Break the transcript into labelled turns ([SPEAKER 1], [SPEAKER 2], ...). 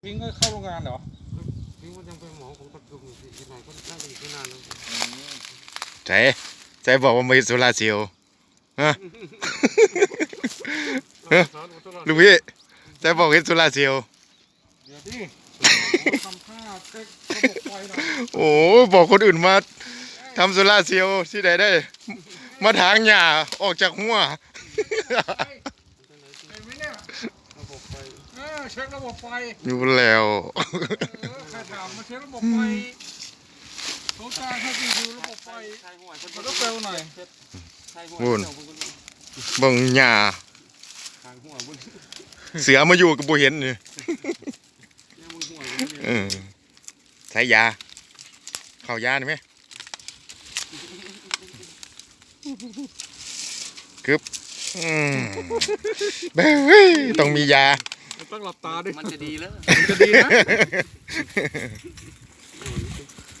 [SPEAKER 1] วิ่งก็เข้าโรงงานเหรอ
[SPEAKER 2] วิ่งมันยังเป็นหมอของตะกุ่มอยู่ที่ไหนก็น่าจะอีกไม่นานแล้ว
[SPEAKER 3] ใจบอกว่าไม่โซลาเซลล์ฮะลูกพี่ใจบอกเห็นโซลาเซลล์
[SPEAKER 1] เดี๋ยวดิทำท่าเช็คระบบไฟหน่อย
[SPEAKER 3] โอ้บอกคนอื่นมาทำโซลาเซลล์ที่ไหนได้ มาถางหญ้าออกจากหัว
[SPEAKER 1] เห็นไหมเนี่ย
[SPEAKER 2] ระบบไฟ
[SPEAKER 1] เช็คระบบไฟ
[SPEAKER 3] อยู่แล้ว
[SPEAKER 1] ใครถามมาเช็คระบบไฟเขาจ้างให้ไปดูระบบไฟมันต้องเร็วหน่อย
[SPEAKER 3] วุ่นเบิ่งหญ้า
[SPEAKER 2] ทางหัวบุญ
[SPEAKER 3] เสือมาอยู่กับบุเห็นนี่
[SPEAKER 2] เนี่ยมึงหัว
[SPEAKER 3] เออใช้ยาเข้ายาได้ไหมกึบเบ้ยต้องมียา
[SPEAKER 1] ต้องหลับตาดิ
[SPEAKER 2] มันจะดีแล้ว
[SPEAKER 1] มันจะดีนะ